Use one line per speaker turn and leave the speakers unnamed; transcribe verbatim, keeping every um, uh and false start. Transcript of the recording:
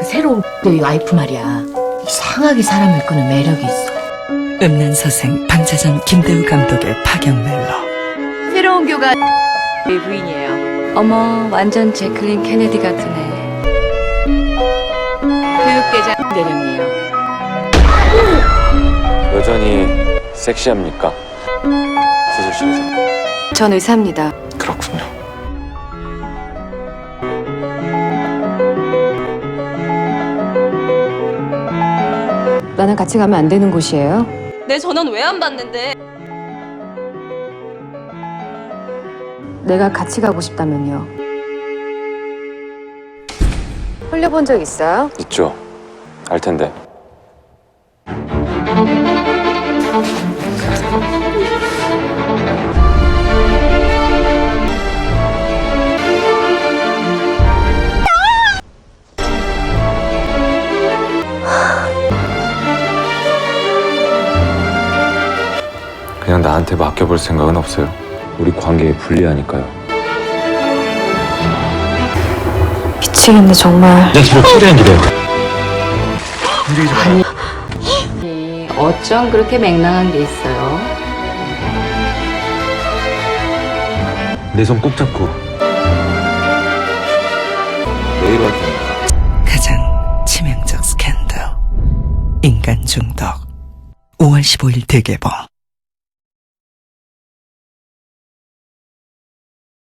새로운 너희 와이프 말이야. 이상하게 사람을 끄는 매력이 있어.
음란서생 방자전 김대우 감독의 파격 멜로.
새로운 교가 내 부인이에요.
어머, 완전 제클린 케네디 같은 애.
교육대장 대령이에요.
여전히 섹시합니까? 수술실에서.
전 의사입니다.
그렇군요.
나랑 같이 가면 안 되는 곳이에요?
내 전화는 왜 안 받는데?
내가 같이 가고 싶다면요. 홀려본 적 있어요?
있죠. 알 텐데. 그냥 나한테 맡겨볼 생각은 없어요. 우리 관계에 불리하니까요.
미치겠네 정말.
내 뒤로 최대한 기대요.
어쩜 그렇게 맹랑한 게 있어요?
내 손 꼭 잡고. 내일 할 테니까.
가장 치명적 스캔들. 인간 중독. 오월 십오일 대개봉.